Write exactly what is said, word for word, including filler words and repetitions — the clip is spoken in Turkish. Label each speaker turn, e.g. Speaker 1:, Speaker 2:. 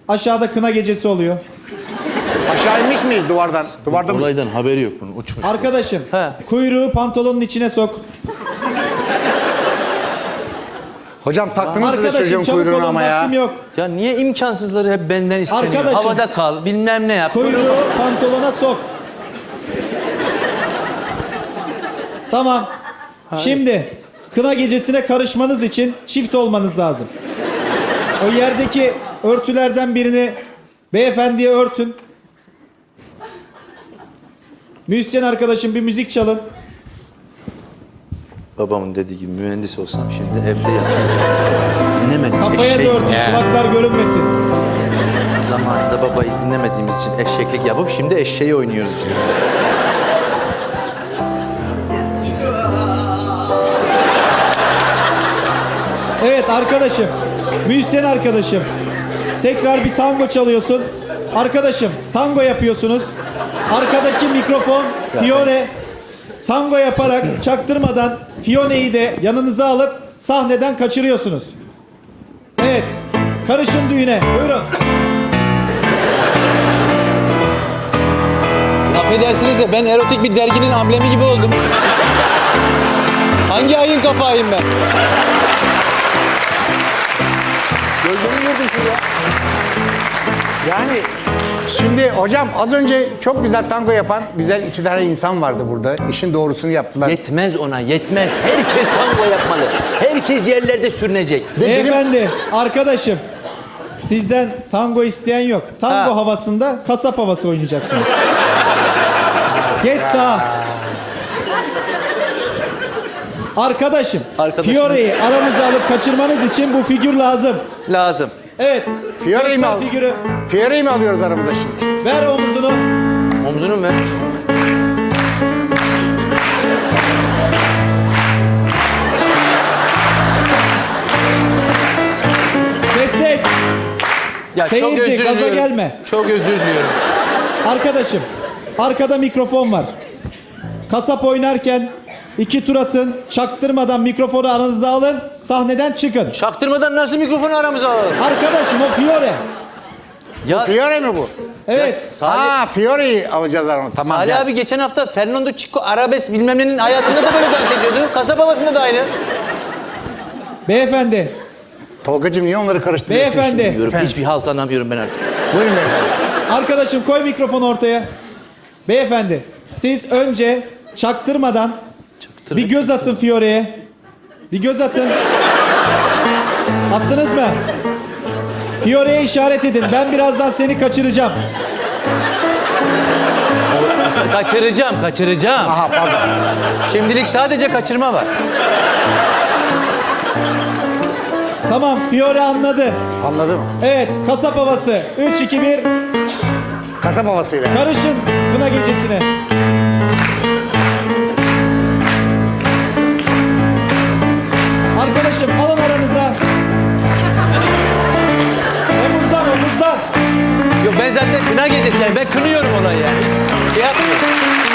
Speaker 1: Aşağıda kına gecesi oluyor.
Speaker 2: Aşağı inmiş miyiz duvardan? Duvarda mı?
Speaker 3: Olaydan haberi yok bunun. Uçmuş.
Speaker 1: Arkadaşım,
Speaker 3: He.
Speaker 1: kuyruğu pantolonun içine sok.
Speaker 2: Hocam taktınız size
Speaker 1: Arkadaşım
Speaker 2: çocuğun
Speaker 1: çabuk
Speaker 2: kuyruğunu
Speaker 1: olun,
Speaker 2: ama ya.
Speaker 1: vaktim yok.
Speaker 3: Ya niye imkansızları hep benden isteniyor?
Speaker 1: Arkadaşım.
Speaker 3: Havada kal, bilmem ne yap.
Speaker 1: Kuyruğu pantolona sok. Tamam. Şimdi kına gecesine karışmanız için çift olmanız lazım. O yerdeki örtülerden birini beyefendiye örtün. Müzisyen arkadaşım bir müzik çalın.
Speaker 3: Babamın dediği gibi mühendis olsam şimdi evde yatıyorum. Dinlemedim.
Speaker 1: Kafaya
Speaker 3: eşek-
Speaker 1: da örtün,
Speaker 3: Ya.
Speaker 1: kulaklar görünmesin.
Speaker 3: Zamanında babayı dinlemediğimiz için eşeklik yapıp şimdi eşeği oynuyoruz işte.
Speaker 1: Evet arkadaşım, müzisyen arkadaşım. Tekrar bir tango çalıyorsun. Arkadaşım, tango yapıyorsunuz. Arkadaki mikrofon Fiore. Tango yaparak çaktırmadan Fione'yi de yanınıza alıp sahneden kaçırıyorsunuz. Evet, karışın düğüne. Buyurun.
Speaker 4: Affedersiniz de ben erotik bir derginin amblemi gibi oldum. Hangi ayın kapağıyım ben? Gözümü gördüm şuraya.
Speaker 2: Yani şimdi hocam az önce çok güzel tango yapan güzel iki tane insan vardı burada. İşin doğrusunu yaptılar.
Speaker 3: Yetmez ona, yetmez. Herkes tango yapmalı. Herkes yerlerde sürünecek.
Speaker 1: Beyefendi, arkadaşım. Sizden tango isteyen yok. Tango
Speaker 3: Ha.
Speaker 1: havasında kasap havası oynayacaksınız. Geç sağa. Arkadaşım,
Speaker 3: Arkadaşım.
Speaker 1: Fiore'yi aranıza alıp kaçırmanız için bu figür lazım.
Speaker 3: Lazım.
Speaker 1: Evet.
Speaker 2: Fiore'yi mi
Speaker 1: göster
Speaker 2: al?
Speaker 1: figürü.
Speaker 2: Fiore'yi mi alıyoruz aramıza şimdi?
Speaker 1: Ver omuzunu.
Speaker 3: Omzunu mu ver?
Speaker 1: Destek.
Speaker 3: Ya
Speaker 1: Seyirci,
Speaker 3: çok özür
Speaker 1: gaza
Speaker 3: diliyorum.
Speaker 1: gelme.
Speaker 3: Çok özür diliyorum.
Speaker 1: Arkadaşım, arkada mikrofon var. Kasap oynarken iki tur atın, çaktırmadan mikrofonu aranıza alın, sahneden çıkın.
Speaker 3: Çaktırmadan nasıl mikrofonu aramıza alalım?
Speaker 1: Arkadaşım o Fiore.
Speaker 3: Ya
Speaker 2: Fiore mi bu?
Speaker 1: Evet.
Speaker 3: Salih,
Speaker 2: Aa Fiore'yi alacağız aramıza. Tamam.
Speaker 3: Salih
Speaker 2: gel.
Speaker 3: abi geçen hafta Fernando Chico Arabes bilmem nenin hayatında da böyle dans ediyordu. Kasap havasında da aynı.
Speaker 1: Beyefendi,
Speaker 2: Tolgacığım niye onları karıştırıyorsun
Speaker 1: Beyefendi.
Speaker 2: şimdi?
Speaker 3: Diyorum,
Speaker 2: Efendim?
Speaker 3: hiçbir halt anlamıyorum ben artık.
Speaker 2: Buyurun beyefendi.
Speaker 1: arkadaşım koy mikrofonu ortaya. Beyefendi, siz önce çaktırmadan bir göz atın Fiore'ye. Bir göz atın. Attınız mı? Fiore'ye işaret edin. Ben birazdan seni kaçıracağım.
Speaker 3: Kaçıracağım, kaçıracağım.
Speaker 2: Aha pardon.
Speaker 3: Şimdilik sadece kaçırma var.
Speaker 1: Tamam, Fiore anladı.
Speaker 2: Anladım.
Speaker 1: Evet, kasap havası. üç, iki, bir.
Speaker 2: Kasap havasıyla.
Speaker 1: Karışın kına gecesine. Arkadaşım alın aranıza. Omuzdan omuzdan.
Speaker 3: Yok ben zaten kına gecesi yani ben kınıyorum olayı yani. Şey yapmıyorum.